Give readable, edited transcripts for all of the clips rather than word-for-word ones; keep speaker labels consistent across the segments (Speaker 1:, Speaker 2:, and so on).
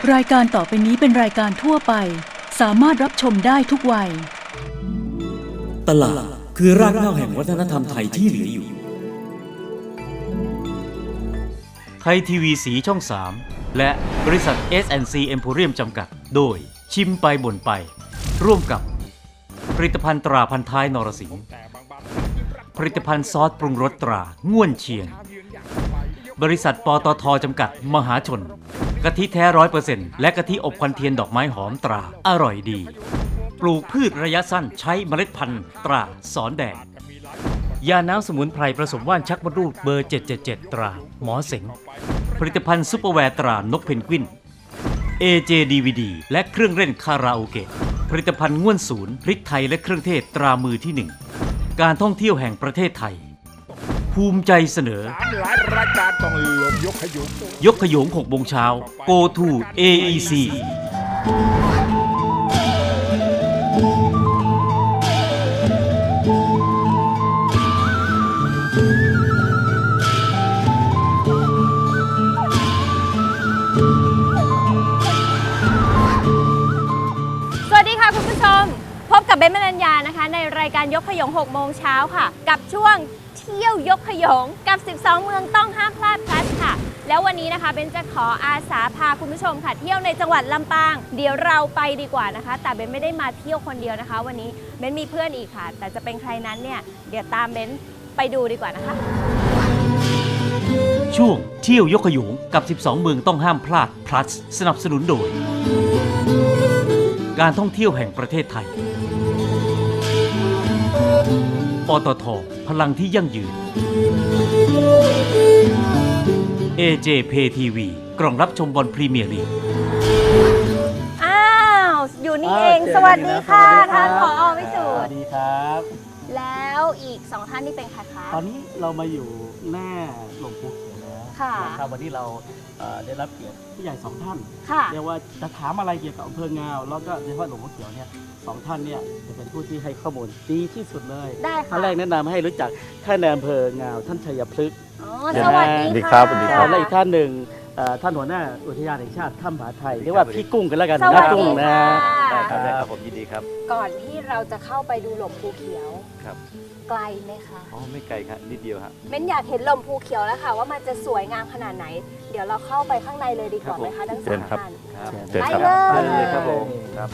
Speaker 1: รายการต่อไปนี้เป็นรายการทั่วไปสามารถรับชมได้ทุกวัย
Speaker 2: ตลาดคือรากเหง้าแห่งวัฒนธรรมไทยที่เหลืออยู่
Speaker 3: ไทยทีวีสีช่อง 3 และบริษัท S&C Emporium จำกัดโดยชิมไปบ่นไปร่วมกับผลิตภัณฑ์ตราพันท้ายนรสิงห์ผลิตภัณฑ์ซอสปรุงรสตราง่วนเชียงบริษัทปตท.จำกัดมหาชนกะทิแท้ 100% และกะทิอบควันเทียนดอกไม้หอมตราอร่อยดีปลูกพืชระยะสั้นใช้เมล็ดพันธุ์ตราสอนแดงยาน้ำสมุนไพรผสมว่านชักมดลูกเบอร์ 777 ตราหมอเสงผลิตภัณฑ์ซุปเปอร์แวร์ตรานกเพนกวิน AJ DVD และเครื่องเล่นคาราโอเกะผลิตภัณฑ์ง่วนศูนย์พริกไทยและเครื่องเทศตรามือที่ 1การท่องเที่ยวแห่งประเทศไทยภูมิใจเสนอ
Speaker 4: หลายรายการต้องลงยกข
Speaker 3: ยง6 โมงเช้า Go to AEC
Speaker 5: สวัสดีค่ะคุณผู้ชมพบกับเบน มนัญญานะคะในรายการยกขยง6 โมงเช้าค่ะกับช่วงเที่ยวยกขยงกับ 12 เมืองต้องห้ามพลาดพลัสค่ะแล้ววันนี้นะคะเบนจะขออาสาพาคุณผู้ชมค่ะเที่ยวในจังหวัดลำปางเดี๋ยวเราไปดีกว่านะคะแต่เบนไม่ได้มาเที่ยวคนเดียวนะคะวันนี้เบนมีเพื่อนอีกค่ะแต่จะเป็นใครนั้นเนี่ยเดี๋ยวตามเบนไปดูดีกว่านะคะ
Speaker 3: ช่วงเที่ยวยกขยงกับ 12 เมืองต้องห้ามพลาด plus สนับสนุนโดยการท่องเที่ยวแห่งประเทศไทยปตท.พลังที่ยั่งยืน AJ Pay TV กล่องรับชมบอลพรีเมียร์ลีก
Speaker 5: อ้าวอยู่นี่เองสวัสดีค่ะท่านผอ.วิสุทธิ์
Speaker 6: สวัสดีครับ
Speaker 5: แล้วอีก2ท่านนี่เป็นใครคะ
Speaker 6: ตอนนี้เรามาอยู่หน้าหลวงปู่เขียวแล้วนะครับวันนี้เราได้รับเกียรติผู้ใหญ่2ท่านเรียกว่าจะถามอะไรเกี่ยวกับอำเภองาวแล้วก็โดยเฉพาะหลวงปู่เขียวเนี่ย2 ท่านเนี่ยจะเป็นผู้ที่ให้ข้อมูลดีที่สุดเลย
Speaker 5: ได้ค่ะ
Speaker 6: ท่านแรกแนะนำให้รู้จักท่านในอำเภองาวท่านชัยพฤกษ์
Speaker 5: สวัสดีครับ
Speaker 6: และอีกท่านหนึ่งท่านหัวหน้าอุทยานแห่งชาติถ้ำผาไทยเรียกว่าพี่กุ้งกันแล้วกัน
Speaker 5: สวัสดี
Speaker 6: กุ้งนะ
Speaker 5: ครับ
Speaker 6: ผมยินดีครับ
Speaker 5: ก่อนที่เราจะเข้าไปดูหล่มภูเขียว
Speaker 6: ครับ
Speaker 5: ไกลไหมคะ
Speaker 6: อ๋อไม่ไกลครับนิดเดียวครับ
Speaker 5: เม้นอยากเห็นหล่มภูเขียวแล้วค่ะว่ามันจะสวยงามขนาดไหนเดี๋ยวเราเข้าไปข้างในเลยดีกว่าไหมคะทั้งสองท่านไปเลย
Speaker 6: ครับผมครับ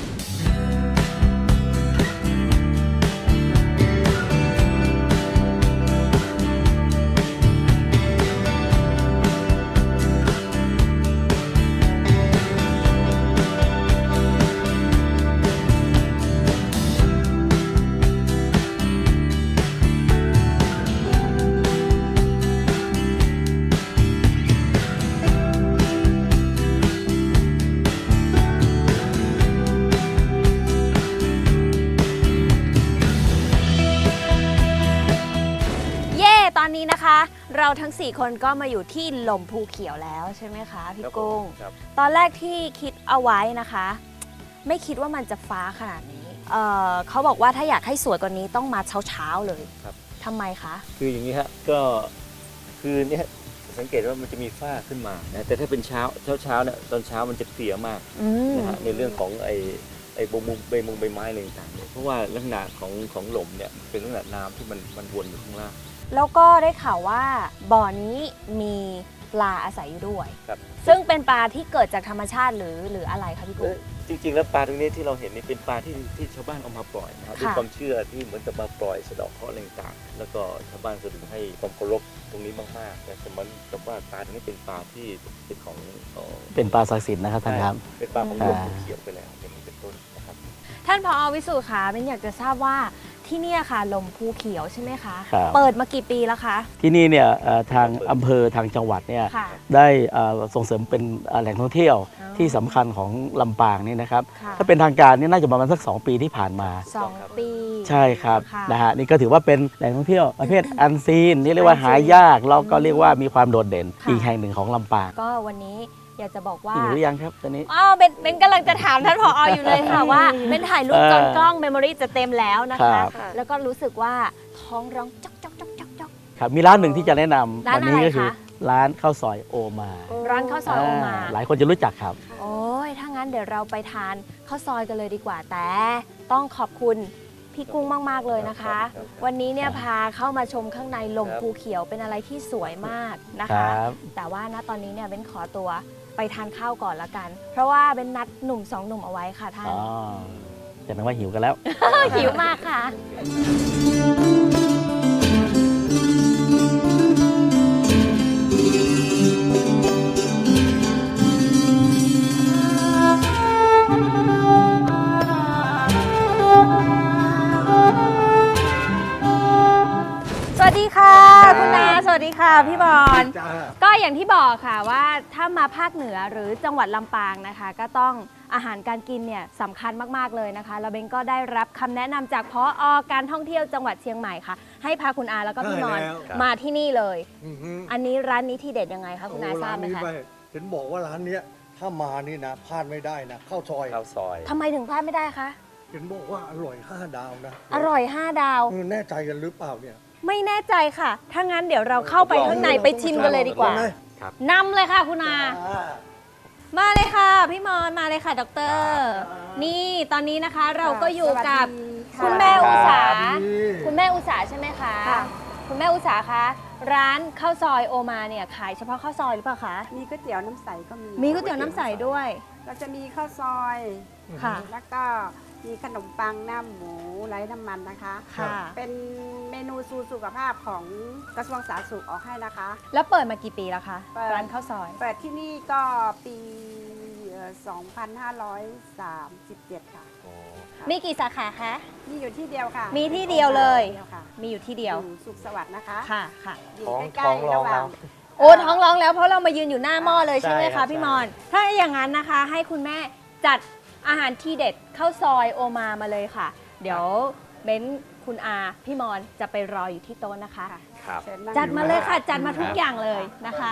Speaker 5: ตอนนี้นะคะเราทั้ง4คนก็มาอยู่ที่หล่มภูเขียวแล้วใช่ไหมคะพี่กุ้งตอนแรกที่คิดเอาไว้นะคะไม่คิดว่ามันจะฟ้าขนาดนี้เขาบอกว่าถ้าอยากให้สวยกว่านี้ต้องมาเช้าเลยทำไมคะ
Speaker 7: คืออย่างนี้ฮะก็คือเนี่ยสังเกตว่ามันจะมีฝ้าขึ้นมานะแต่ถ้าเป็นเช้าเนี่ยตอนเช้ามันจะเสียมากนะฮะในเรื่องของไอ้ใบไม้อะไรต่างๆเพราะว่าลักษณะของหล่มเนี่ยเป็นลักษณะน้ำที่มันวนอยู่ข้างล่าง
Speaker 5: แล้วก็ได้ข่าวว่าบ่อนี้มีปลาอาศัยอยู่ด้วยซึ่งเป็นปลาที่เกิดจากธรรมชาติหรืออะไรคะพี่กุ้ง
Speaker 7: จริงๆแล้วปลาตรงนี้ที่เราเห็นนี่เป็นปลาที่ชาวบ้านเอามาปล่อยนะครับด้วยความเชื่อที่เหมือนกับมาปล่อยสะเดาะเคราะห์อะไรต่างๆแล้วก็ชาวบ้านแสดงให้ความเคารพตรงนี้มากๆแต่สมมติกับว่าปลาตรงนี้เป็นปลาที่เป็นของ
Speaker 6: เป็นปลาศักดิ์สิทธิ์นะครับท่านครับ
Speaker 7: เป็นปลาของหลวงปู่เขียวไปแล้วเป็นต้นนะครับ
Speaker 5: ท่านผอ.วิสุทธิ์คะเป็นอยากจะทราบว่าที่นี่ค่ะหล่มภูเขียวใช่ไหมคะเปิดมากี่ปีแล้วคะ
Speaker 6: ที่นี่เนี่ยทางอำเภอทางจังหวัดเนี่ยได้ส่งเสริมเป็นแหล่งท่องเที่ยวที่สำคัญของลำปางนี่นะครับถ้าเป็นทางการนี่น่าจะประมาณสัก2 ปีที่ผ่านมา
Speaker 5: 2 ปี
Speaker 6: ใช่ครับนะฮะนี่ก็ถือว่าเป็นแหล่งท่องเที่ยวประเภทอันซีนนี่เรียกว่าหายากแล้วก็เรียกว่ามีความโดดเด่นอีกแห่งหนึ่งของลำปาง
Speaker 5: ก็วันนี้อยากจะบอกว่า
Speaker 6: หิวหรือยังครับตอนนี้
Speaker 5: เป็นกำลังจะถามท่านผอ.อยู่เลยค่ะว่าเป็นถ่ายรูปจนกล้องเมมโมรี่จะเต็มแล้วนะคะแล้วก็รู้สึกว่าท้องร้องจ๊อกจ๊อกจ๊อกจ๊อกจ๊อก
Speaker 6: ครับมีร้านหนึ่งที่จะแนะนำวันนี้ก็คือร้านข้าวซอยโอมา
Speaker 5: ร้านข้าวซอยโอมา
Speaker 6: หลายคนจะรู้จักครับ
Speaker 5: โอ้ยถ้างั้นเดี๋ยวเราไปทานข้าวซอยกันเลยดีกว่า แต่ต้องขอบคุณพี่กุ้งมาก ๆ เลยนะคะ วันนี้เนี่ยพาเข้ามาชมข้างในหลงภูเขียวเป็นอะไรที่สวยมากนะ
Speaker 6: ค
Speaker 5: คะ
Speaker 6: รับ
Speaker 5: แต่ว่าณตอนนี้เนี่ยเบ้นขอตัวไปทานข้าวก่อนละกัน เพราะว่าเบ้นนัดหนุ่มสองหนุ่มเอาไว้ค่ะท่าน
Speaker 6: อ๋อจะเป็นว่าหิวกันแล้ว
Speaker 5: หิวมากค่ะ สวัสดีค่ะคุณนาสวัสดีค่ะพี่บอล
Speaker 4: จ้า
Speaker 5: ก็อย่างที่บอกค่ะว่าถ้ามาภาคเหนือหรือจังหวัดลำปางนะคะ ก็ต้องอาหารการกินเนี่ยสำคัญมากๆเลยนะคะแล้วเบนก็ได้รับคำแนะนำจากผอ.การท่องเที่ยวจังหวัดเชียงใหม่ค่ะ ให้พาคุณอาแล้วก็พี่นอนมาที่นี่เลย อันนี้ร้านนี้ที่เด็ดยังไงคะคุณอาทราบไหมคะ
Speaker 8: เห็นบอกว่าร้านเนี้ยถ้ามานี่นะพลาดไม่ได้นะข้าวซอย
Speaker 7: ข้าวซอย
Speaker 5: ทำไมถึงพลาดไม่ได้คะ
Speaker 8: เห็นบอกว่าอร่อย5 ดาวนะ
Speaker 5: อร่อย 5 ดาว
Speaker 8: แน่ใจกันหรือเปล่าเนี่ย
Speaker 5: ไม่แน่ใจค่ะ ถ้างั้นเดี๋ยวเราเข้าไปข้างในไปชิมกันเลยดีกว่า
Speaker 7: ครับ
Speaker 5: นำเลยค่ะคุณอา มาเลยค่ะพี่มอนมาเลยค่ะดร.นี่ตอนนี้นะคะเราก็อยู่กับคุณแม่อุสา คุณแม่อุสาใช่ไหมคะ คุณแม่อุสาคะร้านข้าวซอยโอมาเนี่ยขายเฉพาะข้าวซอยหรือเปล่าคะ
Speaker 9: มีก๋วยเตี๋ยวน้ำใสก็มี
Speaker 5: มีก๋วยเตี๋ยวน้ำใสด้วย
Speaker 9: เราจะมีข้าวซอย
Speaker 5: ค่ะ
Speaker 9: แล้วก็มีขนมปังหน้าหมูไร้น้ำมันนะคะ
Speaker 5: ค่ะ
Speaker 9: เป็นเมนูสู่สุขภาพของกระทรวงสาธารณสุขออกให้นะคะ
Speaker 5: แล้วเปิดมากี่ปีแล้วคะ
Speaker 9: เปิด
Speaker 5: ร้านข้าวซอย
Speaker 9: เปิดที่นี่ก็ปี2537 ค่ะ
Speaker 5: มีกี่สาขาคะ
Speaker 9: มีอยู่ที่เดียวค่ะ
Speaker 5: มีที่เดียวเลย
Speaker 9: ดีวค่ะ
Speaker 5: มีอยู่ที่เดียว
Speaker 9: อยู่สุขสวัสดิ์นะคะ
Speaker 5: ค่ะค่ะ
Speaker 9: อยู่ใกล้ๆระหว่าง
Speaker 5: โอ้ท้องร้องแล้วเพราะเรามายืนอยู่หน้าหม้อเลยใช่ไหม
Speaker 6: ใช่ครั
Speaker 5: คะ
Speaker 6: บ
Speaker 5: พี่มอน ถ้าอย่างนั้นนะคะ ให้คุณแม่จัดอาหารที่เด็ดข้าวซอยโอมาเลยค่ะ เดี๋ยวเบ้นคุณอาพี่มอนจะไปรออยู่ที่โต๊ะนะคะ
Speaker 7: ครับ
Speaker 9: เชิญนั่ง
Speaker 5: จัดมาเลยค่ะ จัดมาทุกอย่างเลยนะคะ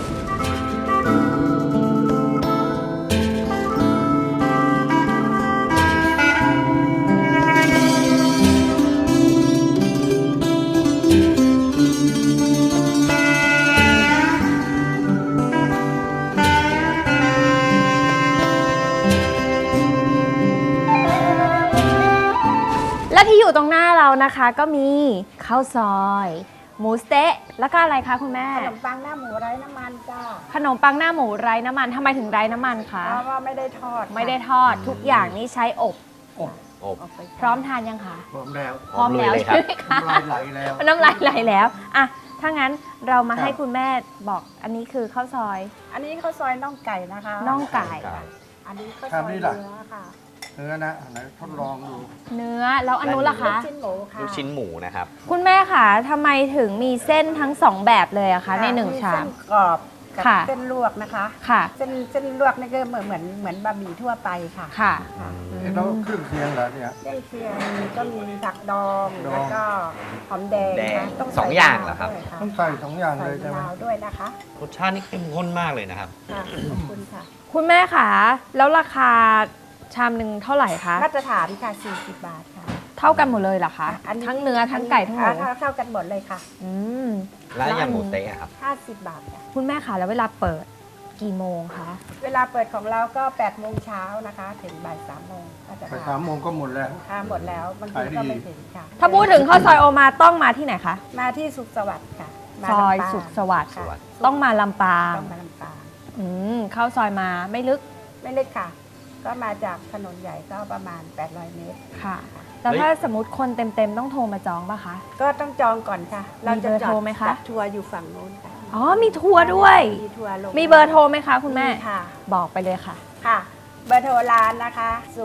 Speaker 5: และที่อยู่ตรงหน้าเรานะคะก็มีข้าวซอย หมูสเต๊ะแล้วก็อะไรคะคุณแม่
Speaker 9: ขนมปังหน้าหมูไร้น้ำมันจ้า
Speaker 5: ขนมปังหน้าหมูไร้น้ำมันทำไมถึงไร้น้ำมันคะ
Speaker 9: เพราะว่าไม่ได้ทอดค่ะ
Speaker 5: ไม่ได้ทอดทุกอย่างนี่ใช้อบ
Speaker 7: อบ
Speaker 9: เอาไป
Speaker 5: พร้อมทานยังคะ
Speaker 8: พร้อมแล้ว
Speaker 5: พร้อมแล้ว
Speaker 7: เลยครั
Speaker 5: ใช่
Speaker 7: บ
Speaker 5: ไหมคะ
Speaker 8: น้ำลายไหลแล้ว
Speaker 5: น้ำลายไหลแล้วอ่ะถ้างั้นเรามา
Speaker 8: ครับ
Speaker 5: ให้คุณแม่บอกอันนี้คือข้าวซอย
Speaker 9: อันนี้ข้าวซอยน่องไก่นะคะ
Speaker 5: น่องไก่
Speaker 9: อันนี้ข้าวซอยเนื้อค่ะ
Speaker 8: เนื้อนะไหนทดลองดู
Speaker 5: เนื้อแล้วอันนู้นล่ะคะ
Speaker 9: ลูกชิ้นหมูค่ะ
Speaker 7: ลูกชิ้นหมูนะครับ
Speaker 5: คุณแม่คะทำไมถึงมีเส้นทั้งสองแบบเลยอะคะในหนึ่งชาม
Speaker 9: เส้นกรอบกับ
Speaker 5: ค่ะ
Speaker 9: เส้นลวกนะคะ
Speaker 5: ค่ะ
Speaker 9: เส้นลวกนี่ก็เหมือนบะหมี่ทั่วไปค่ะ
Speaker 5: ค่ะ
Speaker 8: แล้วเครื่องเคียงเหรอเนี่ย
Speaker 9: เส้นเคียงก็มีผักดอง
Speaker 8: ดอง
Speaker 9: แล้วก็หอมแดง
Speaker 7: แดง
Speaker 9: นะต้อง
Speaker 7: สองอย่างเหรอครับ
Speaker 9: ด้วยะ
Speaker 8: ต้องใส่2 อย่าง
Speaker 9: ใส่
Speaker 8: เลยใช่ไหม
Speaker 9: มะนาวด้วยนะคะ
Speaker 7: รสชาตินี่เข้มข้นมากเลยนะครับ
Speaker 9: ค่ะขอบคุณค่ะ
Speaker 5: คุณแม่คะแล้วราคาชามหนึ่งเท่าไหร่คะ
Speaker 9: มาตรฐานค่ะ40 บาทค่ะ
Speaker 5: เท่ากันหมดเลยเหรอคะ
Speaker 9: อันนี้
Speaker 5: ทั้งเนื้อทั้งไก่ทั้งหมู
Speaker 9: เท่ากันหมดเลยค่ะ
Speaker 5: อืม
Speaker 7: แล้วอย่างหมูเต๊ะครับ
Speaker 9: 50 บาทค่ะ
Speaker 5: คุณแม่คะแล้วเวลาเปิดกี่โมงคะ
Speaker 9: เวลาเปิดของเราก็8 โมงเช้านะคะ ถึงบ่าย3 โมงก็จะ
Speaker 8: ไป3 โมงก็หมดแล้ว
Speaker 9: ค่ะหมดแล้วบางที
Speaker 8: ขายดี
Speaker 9: ก็ไม่ถึงค่ะ
Speaker 5: ถ้าพูดถึงข้าวซอยโอมาต้องมาที่ไหนคะ
Speaker 9: มาที่สุขสวัสดิ์ค่ะมา
Speaker 5: ซอย
Speaker 9: ลำปาง
Speaker 5: สุขสวัสดิ์
Speaker 9: ค่ะ
Speaker 5: ต้องมาลำปาง
Speaker 9: ต้องมาลำปาง
Speaker 5: เข้าซอยมาไม่ลึก
Speaker 9: ไม่เล็กค่ะ ก็มาจากถนนใหญ่ก็ประมาณ800 เมตร
Speaker 5: ค่ะ แล้วถ้าสมมติคนเต็มๆต้องโทรมาจองป่ะคะ
Speaker 9: ก็ต้องจองก่อนค่ะ เราจะ
Speaker 5: มีเบอร์โทรไหมคะ
Speaker 9: จัดทัวร์อยู่ฝั่งโน้นค่ะ
Speaker 5: อ๋อมีทัวร์ด้วย
Speaker 9: มีทัวร์ลง
Speaker 5: มีเบอร์โทรไหมคะคุณแม่
Speaker 9: ค่ะ
Speaker 5: บอกไปเลยค่ะ
Speaker 9: ค่ะ เบอร์โทรร้านนะคะ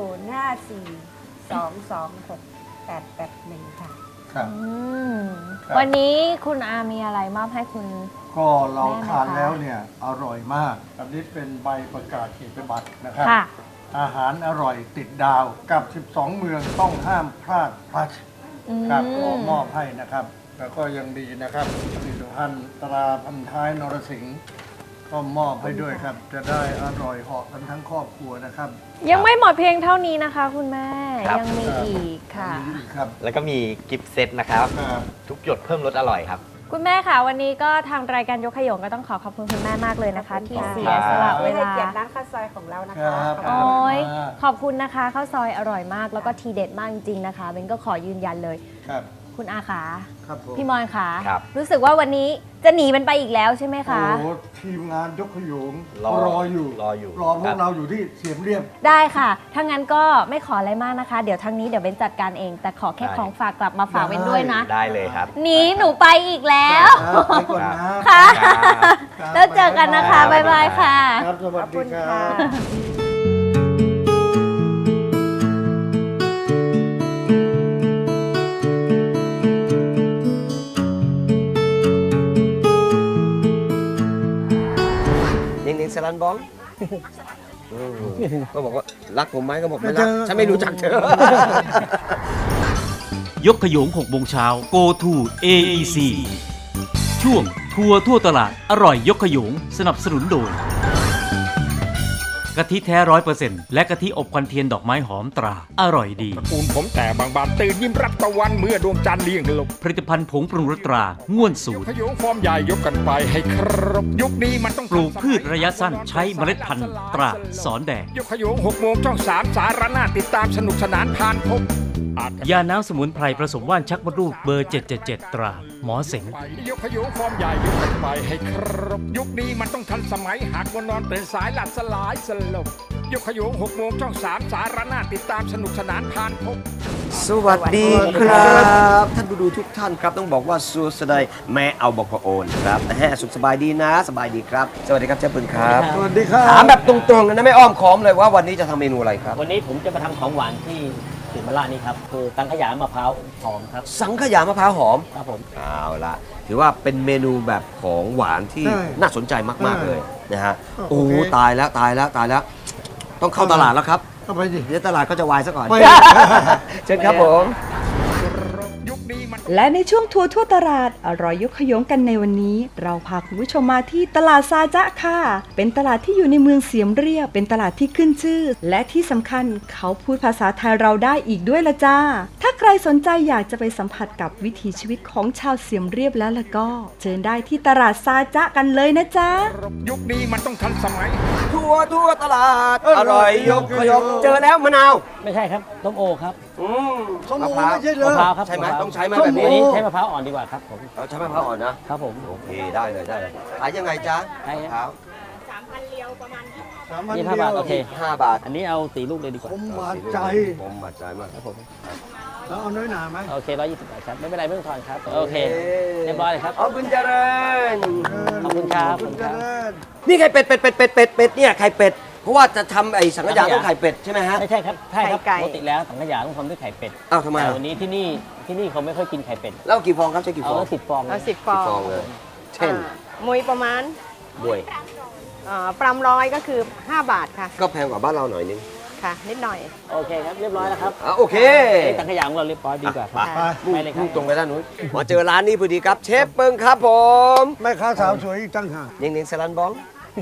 Speaker 9: 054-226-881 ค่ะ
Speaker 8: ครับ ครับ
Speaker 5: วันนี้คุณอามีอะไรมอบให้คุณ
Speaker 8: ก็เราทาน
Speaker 5: แม่นะคะ
Speaker 8: แล้วเนี่ยอร่อยมาก อันนี้เป็นใบประกาศเกียรติบัตรนะครับ
Speaker 5: ค่ะ
Speaker 8: อาหารอร่อยติดดาวกับ 12 เมืองต้องห้ามพลาดพลัดครับขอมอบให้นะครับ แล้วก็ยังดีนะครับผลิตภัณฑ์ตราพันท้ายนรสิงห์ก็มอบให้ด้วยครับ จะได้อร่อยเหาะกันทั้งครอบครัวนะครับ
Speaker 5: ยังไม่หมดเพียงเท่านี้นะคะ คุณแม่
Speaker 7: ครับ
Speaker 5: ยังมีอีกค่ะ
Speaker 8: มีอีกครับ
Speaker 7: แล้วก็มีกิฟต์เซตนะครับ
Speaker 8: ครับ
Speaker 7: ทุกหยดเพิ่มรสอร่อยครับ
Speaker 5: คุณแม่ค่ะวันนี้ก็ทางรายการยกขยงก็ต้องขอบคุณคุณแม่มากเลยนะคะ ที่เสียสละเว
Speaker 9: ให้
Speaker 5: ลา
Speaker 9: เกียรติร้านข้าวซอยของเรานะ
Speaker 8: ครั
Speaker 9: คะ
Speaker 8: บ
Speaker 5: โอ้ยขอบคุณนะคะข้าวซอยอร่อยมากแล้วก็ทีเด็ดมากจริงๆนะคะเบนก็ขอยืนยันเลย
Speaker 8: ครับ
Speaker 5: คุณอาขา
Speaker 8: ครับผม
Speaker 5: พี่มอนขา
Speaker 7: ครับ
Speaker 5: รู้สึกว่าวันนี้จะหนีมันไปอีกแล้วใช่ไหมคะ
Speaker 8: โอ้โหทีมงานยกขยง
Speaker 7: รอ
Speaker 8: อยู่
Speaker 7: รออยู่
Speaker 8: รอพ
Speaker 7: ครั
Speaker 8: วก
Speaker 7: บ
Speaker 8: เราอยู่ที่เสียมเรียบ
Speaker 5: ได้ค่ะถ้างั้นก็ไม่ขออะไรมากนะคะ เดี๋ยวทางนี้เดี๋ยวเบนจัดการเอง แต่ขอแค่ของฝากกลับมาฝากเบนด้วยนะ
Speaker 7: ได้เลยครับ
Speaker 5: หนีหนูไปอีกแล้ว
Speaker 8: ครับไปก่อนนะ
Speaker 5: ค่ะ
Speaker 8: ครับ
Speaker 5: แล้วเจอกันนะคะบ๊ายบายค่ะ
Speaker 8: ครับสวัสดีค
Speaker 9: ขอบ
Speaker 8: รั
Speaker 9: คุณค่ะ
Speaker 8: บ
Speaker 10: นิ่งๆสลันบองก็บอกว่ารักผมไหมก็บอกไม่รัก ฉันไม่รู้จักเธอ
Speaker 3: ยกขยง6โมงเช้า Go to AEC ช่วงทัวร์ทั่วตลาดอร่อยยกขยงสนับสนุนโดยกะทิแท้ 100% และกะทิอบควันเทียนดอกไม้หอมตราอร่อยดี
Speaker 4: ตระกูลผมแต่บางบานตื่นยิ้มรับตะวันเมื่อดวงจันทร์เลี่ยงหลบ
Speaker 3: ผลิตภัณฑ์ผงปรุงรสตราง่วนสู
Speaker 4: ย
Speaker 3: ต
Speaker 4: ก
Speaker 3: ร
Speaker 4: ขยงฟอร์มใหญ่ยกกันไปให้ครบยุคนี้มันต้อง
Speaker 3: ปลูกพืชระยะสั้นใช้เมล็ดพันธุ์ตราสอนแดง
Speaker 4: ยกขยง6 โมงช่อง 3 สารนาติดตามสนุกสนานผ่านพบอาจ
Speaker 3: ยาน้ำสมุนไพรผสมว่านชักมดลูกเบอร์ 777 ตราหมอเสง
Speaker 4: ไปยกขยงฟอร์มใหญ่ยกกันไปให้ครบยุคนี้มันต้องทันสมัยหากวันนอนตื่นสายหลับสลายสลบยกขยง6 โมงช่อง 3 สารนาติดตามสนุกสนานผ่านพบ
Speaker 10: สวัสดีครับ ท่านผู้ดูทุกท่านครับต้องบอกว่าสูสดายแม่เอาบอกพระโอนครับสุขสบายดีนะสบายดีครับ สวัสดีครับเจ้าปืนครับ
Speaker 8: สวัสดีครับ
Speaker 10: ถามแบบตรงๆนะไม่อ้อมค้อมเลยว่าวันนี้จะทำเมนูอะไรครับ
Speaker 6: วันนี้ผมจะมาทำของหวานที่สิมราชนี่ครับคือตังขยามะพร้าวหอมครับ
Speaker 10: สังขยามะพร้าวหอม
Speaker 6: ครับผม
Speaker 10: เอาละถือว่าเป็นเมนูแบบของหวานที่
Speaker 8: ใช่
Speaker 10: น่าสนใจมากๆเลยนะฮะ
Speaker 8: โอเค
Speaker 10: โอ้ตายแล้วตายแล้วตายแล้ว ต้องเข้าตลาดแล้วครับ
Speaker 8: เข้าไปดิ
Speaker 10: เดี๋ยวตลาดก็จะวายซะก่อน
Speaker 8: ไป
Speaker 10: เชิญครับผม
Speaker 4: ยุคนี้มัน
Speaker 11: และในช่วงทัวร์ทั่วตลาดอร่อยยกขยงกันในวันนี้ เราพาคุณผู้ชมมาที่ตลาดซาจ๊ะค่ะ เป็นตลาดที่อยู่ในเมืองเสียมเรียบ เป็นตลาดที่ขึ้นชื่อ และที่สำคัญเขาพูดภาษาไทยเราได้อีกด้วยละจ้า ถ้าใครสนใจอยากจะไปสัมผัสกับวิถีชีวิตของชาวเสียมเรียบแล้วล่ะก็ เชิญได้ที่ตลาดซาจ๊ะกันเลยนะจ๊ะ
Speaker 4: ยุคนี้มันต้องทันสมัย
Speaker 10: ทั่วตลาดอร่อยยกขยงเจอแล้วมะนาว
Speaker 6: ไม่ใช่ครับต้มโอครับ
Speaker 8: สมองไม่ใช่เหร
Speaker 6: มะ
Speaker 8: อ
Speaker 6: พร้าวครับ
Speaker 10: ใช่ไหม
Speaker 6: ะพร้าว
Speaker 10: ต้องใช้ไหม
Speaker 8: ส้ม
Speaker 10: แบบ
Speaker 8: โอ
Speaker 10: นี้
Speaker 6: วันนี้ใช้มะพร้าวอ่อนดีกว่าครับผม
Speaker 10: เราใช้มะพร้าวอ่อนนะครับ
Speaker 6: ผม
Speaker 10: โอเคได้เลยขายยังไงจ๊ะ
Speaker 6: ได้
Speaker 10: มะพร้าว
Speaker 6: 3,000 เรียวประมาณ
Speaker 8: 3,000
Speaker 6: 25 บาทโอเค
Speaker 10: 5 บาท
Speaker 6: อันนี้เอา4ลูกเลยดีกว่า
Speaker 8: ผมบาดใจ
Speaker 10: ผมบาดใจมาก
Speaker 6: ครับผม
Speaker 8: แล้วเอาน้อยหนาไหม
Speaker 6: โอเค120 บาทครับไม่เป็นไรไม่ต้องทอนครับโอเคเรียบร้อยเลยครับ
Speaker 10: ขอบคุณเจริญ
Speaker 6: ขอบคุณครับ
Speaker 8: ขอบคุณเจริญ
Speaker 10: นี่ไข่เป็ดเนี่ยไข่เป็ดเพราะว่าจะทำไอ้สังขยาต้องไข่เป็ดใช่ไหมฮะ
Speaker 6: ไม่ใช่ครับใช่ครับ
Speaker 9: ไข่ไก่
Speaker 6: ปกติแล้วสังขยาต้องทำด้วยไข่เป็ด
Speaker 10: อ้าวทำไม
Speaker 6: แต่
Speaker 10: อ่ะ
Speaker 6: วันนี้ที่นี่เขาไม่ค่อยกินไข่เป็ด
Speaker 10: แล้วกี่ฟองครับใช้กี่ฟ
Speaker 6: เอา
Speaker 10: อง
Speaker 6: ละ10 ฟอง
Speaker 9: เอา10 ฟ
Speaker 10: กี่
Speaker 9: อง
Speaker 10: ฟองเลย เช่น
Speaker 9: มวยประมาณ
Speaker 10: บวย
Speaker 9: ปรำร้อยก็คือ 5 บาทค่ะ
Speaker 10: ก็แพงกว่าบ้านเราหน่อยนึง
Speaker 9: ค่ะ นิดหน่อย
Speaker 6: โอเคครับเรียบร้อยแล้วครับ
Speaker 10: โอเค
Speaker 6: สังขยาของเราเรียบร้อยดีกว่าครับ
Speaker 8: ไป
Speaker 6: ไปเลยครับ
Speaker 10: มุ่งตรงไปด้านนู้นมาเจอร้านนี้พอดีครับเชฟเปิงครับผม
Speaker 8: แม่ค้าสาวสวยอีกตั้งหาก
Speaker 10: นิ่งๆสลันบอง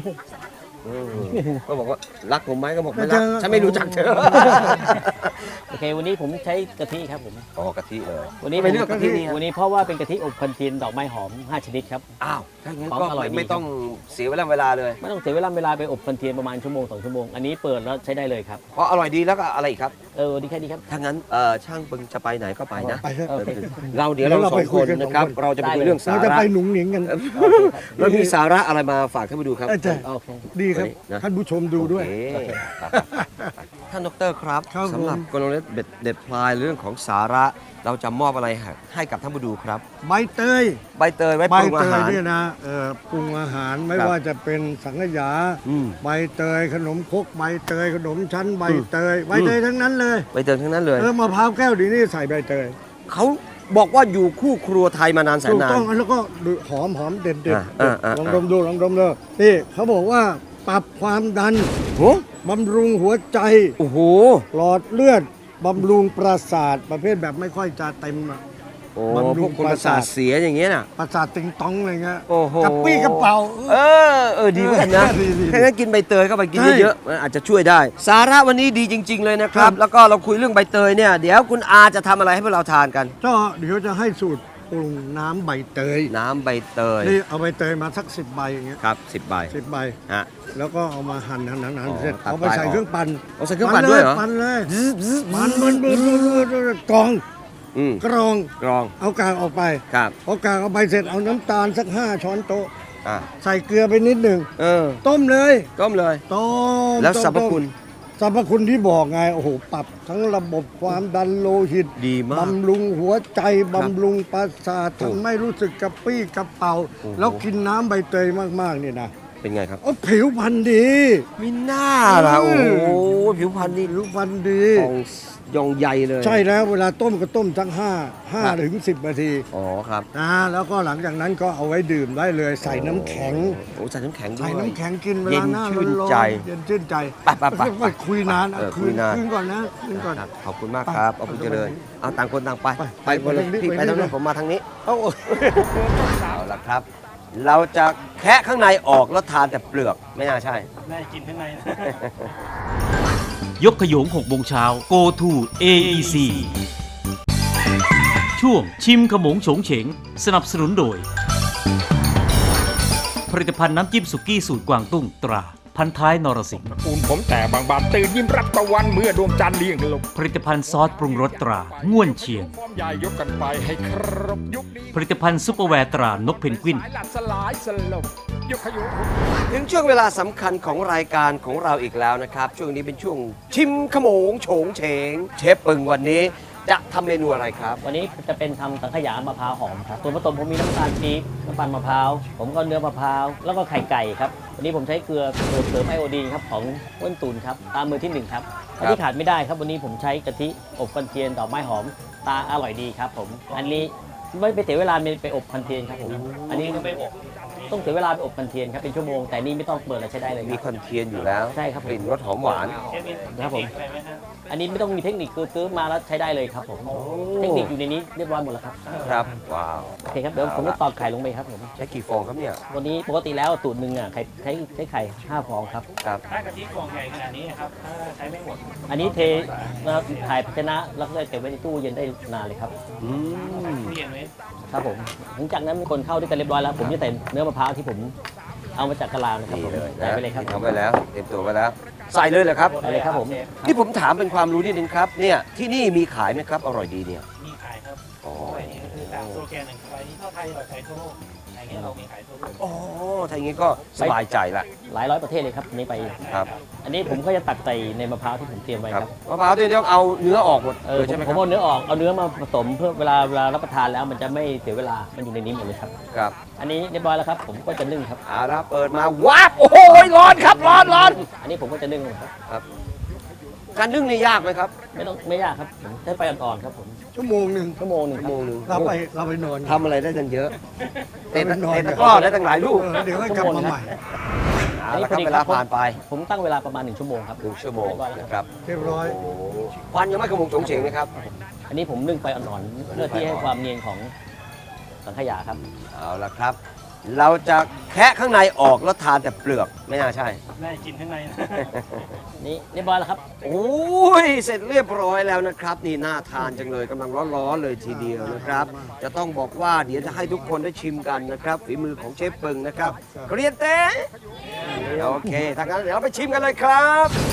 Speaker 10: ก็บอกว่ารักผมไหมก็บอกไม่รัก ฉันไม่รู้จักเธอ
Speaker 6: โอเค วันนี้ผมใช้กะทิครับผม
Speaker 10: อ๋อกะทิเลย
Speaker 6: วันนี้
Speaker 10: ทำไมเลือกกะทินี่
Speaker 6: วันนี้เพราะว่าเป็นกะทิอบควันเทียนดอกไม้หอม 5 ชนิดครับ
Speaker 10: อ้าวถ้างั้น
Speaker 6: ของ
Speaker 10: ก็
Speaker 6: อร่อยดี
Speaker 10: ไม่ต้องเสียเวลาเลย
Speaker 6: ไม่ต้องเสียเวลาไปอบควันเทียนประมาณชั่วโมง2 ชั่วโมง อันนี้เปิดแล้วใช้ได้เลยครับ
Speaker 10: เพราะอร่อยดีแล้วก็อะไรอีกครับ
Speaker 6: ดีแค่นี้ครับ
Speaker 10: ถ้างั้นช่างเปิงจะไปไหนก็ไปนะ
Speaker 8: ไปเถอะ
Speaker 6: โอเค
Speaker 10: เดี๋ยวเรา
Speaker 8: เรา
Speaker 10: สอ
Speaker 8: ไป
Speaker 10: ง
Speaker 8: คุ
Speaker 10: ค
Speaker 8: ย
Speaker 10: น
Speaker 8: กัน
Speaker 10: นะครับ
Speaker 8: สองคน
Speaker 10: เราจะไปคุย
Speaker 6: ได้เลย
Speaker 10: เรื่องสา
Speaker 8: เราจะ
Speaker 10: ระ
Speaker 8: ไปหนุ่งหนิงกัน
Speaker 10: แล้วมีสาระอะไรมาฝากท่านผู้ดูครับ
Speaker 8: อาจารย์
Speaker 6: โอเค
Speaker 8: ดีครับ
Speaker 10: นะ
Speaker 8: ท่านผู้ชมดูด้วย
Speaker 10: โอเคครับท่านดรครับ
Speaker 8: ครับ
Speaker 10: สำหรับ
Speaker 8: ผม
Speaker 10: กลยุทธ์เด็ดพลายเรื่องของสาระ เราจะมอบอะไรให้กับท่านผู้ดูครับ
Speaker 8: ใบเตย
Speaker 10: ใบเตยไว้
Speaker 8: ใบ
Speaker 10: ปรุง
Speaker 8: เต
Speaker 10: อาย หาร
Speaker 8: เนี่ยนะปรุงอาหารไม่
Speaker 10: ครับ
Speaker 8: ว่าจะเป็นสังขยา
Speaker 10: อืม
Speaker 8: ใบเตยขนมครกใบเตยขนมชั้นใบเตยใบเตยทั้งนั้นเลย
Speaker 10: ใบเตยทั้งนั้นเลย
Speaker 8: มะพร้าวแก้วดีนี่ใส่ใบเตย
Speaker 10: เขาบอกว่าอยู่คู่ครัวไทยมานานแสน
Speaker 8: ถูก
Speaker 10: นาน
Speaker 8: ต้องแล้วก็หอมเด็ด
Speaker 10: อ่า
Speaker 8: ลองดมดูนี่เขาบอกว่าปรับความดัน
Speaker 10: โอ้
Speaker 8: บำรุงหัวใจ
Speaker 10: โอ้โห
Speaker 8: หลอดเลือดบำรุงประสาทประเภทแบบไม่ค่อยจะเต็มอะ
Speaker 10: โอ้
Speaker 8: บำรุ
Speaker 10: พว
Speaker 8: ง
Speaker 10: กคน
Speaker 8: ป
Speaker 10: ประ ระสา
Speaker 8: สา
Speaker 10: ท
Speaker 8: ท
Speaker 10: เสียอย่างเงี้ยน่ะ
Speaker 8: ประสาทติงตองอะไรเงี้ย
Speaker 10: โอ้โห
Speaker 8: กระปี้กระเป๋า
Speaker 10: ดีเหมือนกันนะ
Speaker 8: ดี
Speaker 10: ถ้างั้นกินใบเตยเข้าไปกิน
Speaker 8: ใช่
Speaker 10: เยอะๆมันอาจจะช่วยได้ สาระวันนี้ดีจริง ๆ เลยนะครับ แล้วก็เราคุยเรื่องใบเตยเนี่ย เดี๋ยวคุณอาจะทำอะไรให้พวกเราทานกัน
Speaker 8: ก็เดี๋ยวจะให้สูตรปรุงน้ำใบเตย
Speaker 10: น้ำใบเตย
Speaker 8: นี่เอาใบเตยมาสัก10 ใบอย่างเงี้ย
Speaker 10: ครับ10 ใบ
Speaker 8: 10 ใบ
Speaker 10: ฮะ
Speaker 8: แล้วก็เอามาหั่น
Speaker 10: อ๋อ
Speaker 8: เสร็จ
Speaker 10: ตัด
Speaker 8: เอาไปใส่
Speaker 10: ปลายออก
Speaker 8: เครื่องปั่น
Speaker 10: เอาใส่เครื่องปั่นด้วยเหรอ
Speaker 8: ปั่นเลยมันกรอง
Speaker 10: อืม
Speaker 8: กรอง
Speaker 10: กรอง
Speaker 8: เอากากออกไป
Speaker 10: ครับ
Speaker 8: พอกากออกไปเสร็จเอาน้ำตาลสัก5 ช้อนโต๊ะ
Speaker 10: อ่ะ
Speaker 8: ใส่เกลือไปนิดหนึ่ง ต้มเลย
Speaker 10: ต้มเลย
Speaker 8: ต้ม
Speaker 10: แล้ว
Speaker 8: ต้ม
Speaker 10: สรรพคุณ
Speaker 8: สรรพคุณที่บอกไงโอ้โหปรับทั้งระบบความดันโลหิต
Speaker 10: ดีมาก
Speaker 8: บำรุงหัวใจ
Speaker 10: ครับ
Speaker 8: บำรุงประสาท
Speaker 10: โอ้
Speaker 8: ทำให้รู้สึกกระปรี้กระเป๋า
Speaker 10: โอ้โห
Speaker 8: แล้วกินน้ำใบเตยมากๆเนี่ยนะ
Speaker 10: เป็นไงครับ
Speaker 8: โอ้ผิวพรรณดี
Speaker 10: มีหน้าล่ะโอ้โหผิวพรรณนี่
Speaker 8: ผิวพรรณดี
Speaker 10: ของยองใยเลย
Speaker 8: ใช่แล้วเวลาต้มก็ต้มทั้ง5ถึง10 นาที
Speaker 10: อ๋อครับ
Speaker 8: แล้วก็หลังจากนั้นก็เอาไว้ดื่มได้เลยใส่น้ำแข็ง
Speaker 10: โอ้ใส่น้ำแข็งด้วย
Speaker 8: ใส่น้ำแข็งกินเว
Speaker 10: เย็
Speaker 8: ลาน หน้า
Speaker 10: ชื่น
Speaker 8: ร้อน
Speaker 10: ใจ
Speaker 8: ๆเย็นชื่นใจ
Speaker 10: ไป
Speaker 8: ไม่คุยนาน
Speaker 10: คุยนาน
Speaker 8: คืนก่อนนะคืนก่อน
Speaker 10: ครับขอบคุณมากครับเอาคุณเจริญเอาต่างคนต่างไป
Speaker 8: ไป
Speaker 10: คนละ
Speaker 8: ไปทางนี้
Speaker 10: พี่
Speaker 8: ไป
Speaker 10: ไปทาง
Speaker 8: ทางนี้
Speaker 10: นู้นผมมาทางนี้
Speaker 8: เอา
Speaker 10: เอาละครับ เราจะแคะข้างในออกแล้วทานแต่เปลือกไม่น่าใช่
Speaker 6: ได้กินข้างใน
Speaker 3: ยกขยง6 โมงเช้า Go to AEC ช่วงชิมขมงโฉงเฉง สนับสนุนโดย ผลิตภัณฑ์น้ำจิ้มสุกี้สูตรกวางตุ้งตรา พันท้ายนรสิงห์
Speaker 4: ตระกูลผมแต่บางบานตื่นยิ้มรับตะวันเมื่อดวงจันทร์เลี้ยงลง
Speaker 3: ผลิตภัณฑ์ซอสปรุงรสตราง่วนเชียง
Speaker 4: ฟอร์มใหญ่ยกกันไปให้ครบยุคนี้
Speaker 3: ผลิตภัณฑ์ซุปเปอร์แวร์ตรานกเพนกวิน
Speaker 4: สายหลัดสลายสลบยกขยง
Speaker 10: ถึงช่วงเวลาสำคัญของรายการของเราอีกแล้วนะครับ ช่วงนี้เป็นช่วงชิมขโมงโฉงเฉง เชฟปึงวันนี้จะทำเมนูอะไรครับ
Speaker 6: วันนี้จะเป็นทำสังขยามะพร้าวหอมครับส่วนผสมผมมีน้ำตาลปี๊บน้ำตาลมะพร้าว ผมก็เนื้อมะพร้าว แล้วก็ไข่ไก่ครับ วันนี้ผมใช้เกลือเสริมไอโอดีนครับของอ้วนตูนครับ ตามมือที่ 1 ครับอันที่ขาดไม่ได้ครับ วันนี้ผมใช้กะทิอบควันเทียนดอกไม้หอม ตาอร่อยดีครับผม อันนี้ไม่ไปเสียเวลาไปอบควันเทียนครับผม อันนี้ไม่อบต้องเสียเวลาไปอบควันเทียนครับเป็นชั่วโมง แต่นี่ไม่ต้องเปิดแล้วใช้ได้เลย
Speaker 10: มีควันเทียนอยู่แล้ว
Speaker 6: ใช่ครับ
Speaker 10: กลิ่นรสหอมหวาน
Speaker 6: ครับผม อันนี้ไม่ต้องมีเทคนิคคือซื้อมาแล้วใช้ได้เลยครับผม เทคนิคอยู่ในนี้เรียบร้อยหมดแล้วครับ
Speaker 10: ครับ ว้าว
Speaker 6: โอเคครับ เดี๋ยวผมจะตอกไข่ลงไปครับผม
Speaker 10: ใช้กี่ฟองครับเนี่ย
Speaker 6: วันนี้ปกติแล้วสูตรหนึ่งอ่ะไข่ใช้ไข่5 ฟองครับ
Speaker 10: ครับ
Speaker 6: ถ้ากะทิฟองใหญ่ขนาดนี้ครับถ้าใช้ไม่หมด อันนี้เทนะครับถ่ายภาชนะแล้วก็เก็บไว้ในตู้เย็นได้นานเลยครับ
Speaker 10: อืม
Speaker 6: ตู้เย็นไว้ครับผม หลังจากนั้นมีคนเข้าด้วยกันเรียบร้อยแล้ว ผมจะใส่เนื้อมะพร้าวที่ผมเอามาจากกะลานะครับ
Speaker 10: นี่
Speaker 6: ผม
Speaker 10: เลย
Speaker 6: ใส่ไปเลยครับ
Speaker 10: ทำไปแล้วเตรียมตัวไปแล้ว ใส่เลยเหรอครับ
Speaker 6: ใส่เลยครับผม
Speaker 10: นี่ผมถามเป็นความรู้นิดนึงครับ เนี่ยที่นี่มีขายไหมครับ อร่อยดีเนี่ย
Speaker 6: มีขายครับ
Speaker 10: อ๋อ
Speaker 6: นี่ก็คือตามโซแกนหนึ่งไปที่เข้าไทยแบบไทยทั่วโลกอย่างนี้เรามีขายทั่วโลก
Speaker 10: อ๋อถ้าอย่างนี้ก็สบายใจละ
Speaker 6: หลายร้อยประเทศเลยครับนี่ไป
Speaker 10: ครับ
Speaker 6: อันนี้ผมก็จะตักใส่ในมะพร้าวที่ผมเตรียมไว้
Speaker 10: ครับ
Speaker 6: ครับ
Speaker 10: มะพร้าวที่ต้องเอาเนื้อออกหมดเลยใช่ไหมค
Speaker 6: ผ
Speaker 10: รั
Speaker 6: ม
Speaker 10: บ
Speaker 6: เอาเนื้อออก เอาเนื้อมาผสมเพื่อเวลารับประทานแล้วมันจะไม่เสียเวลา มันอยู่ในนี้หมดเลยครับ
Speaker 10: ครับ
Speaker 6: อันนี้เรียบร้อยแล้วครับ ผมก็จะนึ่งครับ
Speaker 10: เอาละเปิดมาว้าบโอ้โหร้อนครับร้อนร้อน
Speaker 6: อันนี้ผมก็จะนึ่งครับ
Speaker 10: ครับ การนึ่งนี่ยากไหมครับ
Speaker 6: ไม่ยากครับผมใช้ไฟอ่อนๆครับผม
Speaker 8: ชั่วโมงหนึ่ง
Speaker 6: ชั่วโมงหนึ่ง
Speaker 10: ชั่วโมงหนึ่ง
Speaker 8: เราไปนอน
Speaker 10: ทำอะไรได้ตั้งเยอะเตะ
Speaker 8: เราไปนอน
Speaker 10: ตะกร้อได้ตั้งหลายลูก
Speaker 8: เดี๋ยวให้กลับมาใหม่
Speaker 10: เอาละครับเวลาผ่านไป
Speaker 6: ผมตั้งเวลาประมาณ1 ชั่วโมงครับ
Speaker 10: 1 ชั่วโมงนะครับ
Speaker 8: เรียบร้อย
Speaker 10: โอ้โหควันยังไม่ขโมงโฉงเฉงนะครับ
Speaker 6: อันนี้ผมนึ่งไฟอ่อนๆเพื่อที่ให้ความเนียนของสังขยาครับ
Speaker 10: เอาละครับ เราจะแคะข้างในออกแล้วทานแต่เปลือกไม่น่าใช่
Speaker 6: ได้กินข้างในนี่เรียบร้อยแล้วครับ
Speaker 10: โอ้ยเสร็จเรียบร้อยแล้วนะครับ นี่น่าทานจังเลยกำลังร้อนๆเลยทีเดียวนะครับ จะต้องบอกว่าเดี๋ยวจะให้ทุกคนได้ชิมกันนะครับฝีมือของเชฟปึงนะครับเกรียนเต้โอเคถ้างั้นเดี๋ยวเราไปชิมกันเลยครับ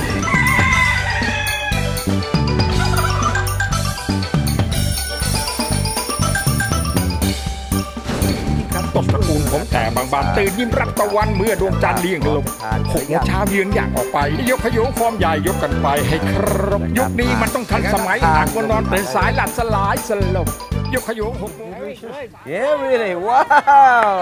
Speaker 4: ตบตระกูลผมแต่บางบานตื่นยิ้มรับตะวันเมื่อดวงจันทร์เลี้ยงลง6 โมงเช้าเยือนอย่างออกไป ยกขยงฟอร์มใหญ่ยกกันไปให้ครบยุคนี้มันต้องทันสมัยหากวันนอนตื่นสายหลัดสลายสลบยกขยง6 โมง
Speaker 10: Yeah really wow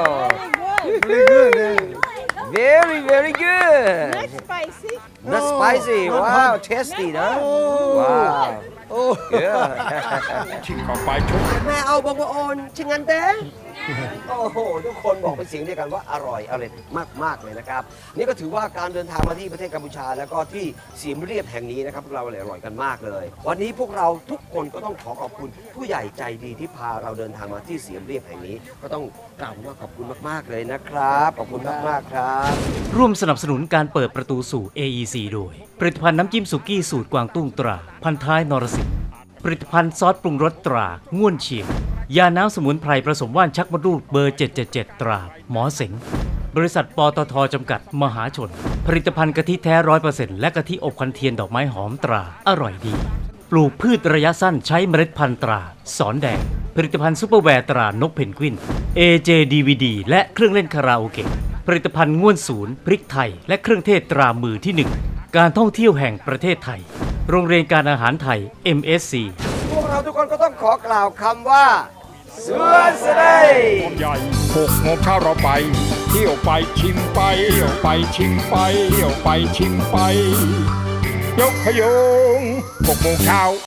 Speaker 10: very very good
Speaker 9: Not spicy.
Speaker 10: not spicy wow tasty นะ wow โอ้
Speaker 4: ชิมเข้าไปชุบ
Speaker 10: แม่เอาบอกว่าโอนชิงันเต้โอ้โหทุกคนบอกเป็นเสียงเดียวกันว่าอร่อยมากเลยนะครับนี่ก็ถือว่าการเดินทางมาที่ประเทศกัมพูชาแล้วก็ที่เสียมเรียบแห่งนี้นะครับพวกเราอร่อยกันมากเลย วันนี้พวกเราทุกคนก็ต้องขอขอบคุณผู้ใหญ่ใจดีที่พาเราเดินทางมาที่เสียมเรียบแห่งนี้ ก็ต้องกล่าวว่าขอบคุณมากๆเลยนะครับขอบคุณมากๆครับ
Speaker 3: ร่วมสนับสนุนการเปิดประตูสู่ AEC โดย ผลิตภัณฑ์น้ำจิ้มสุกี้สูตรกวางตุ้งตรา พันท้ายนรสิงห์ผลิตภัณฑ์ซอสปรุงรสตราง่วนเชียงยาน้ำสมุนไพรผสมว่านชักมดลูกเบอร์ 777 ตราหมอเสงบริษัทปตทจำกัดมหาชน ผลิตภัณฑ์กะทิแท้ 100% และกะทิอบควันเทียนดอกไม้หอมตราอร่อยดี ปลูกพืชระยะสั้นใช้เมล็ดพันธุ์ตราสอนแดงผลิตภัณฑ์ซุปเปอร์แวร์ตรานกเพนกวิน AJ DVD และเครื่องเล่นคาราโอเกะผลิตภัณฑ์ง่วนศูนย์พริกไทยและเครื่องเทศตรามือที่ 1 การท่องเที่ยวแห่งประเทศไทย โรงเรียนการอาหารไทย MSC
Speaker 10: พวกเราทุกคนก็ต้องขอกล่าวคำว่าสวนสไลด์
Speaker 4: ความใหญ่6 โมงเช้าเราไปเที่ยวไปชิมไปเที่ยวไปชิมไปเที่ยวไปชิมไป ยกขยง6 โมงเช้า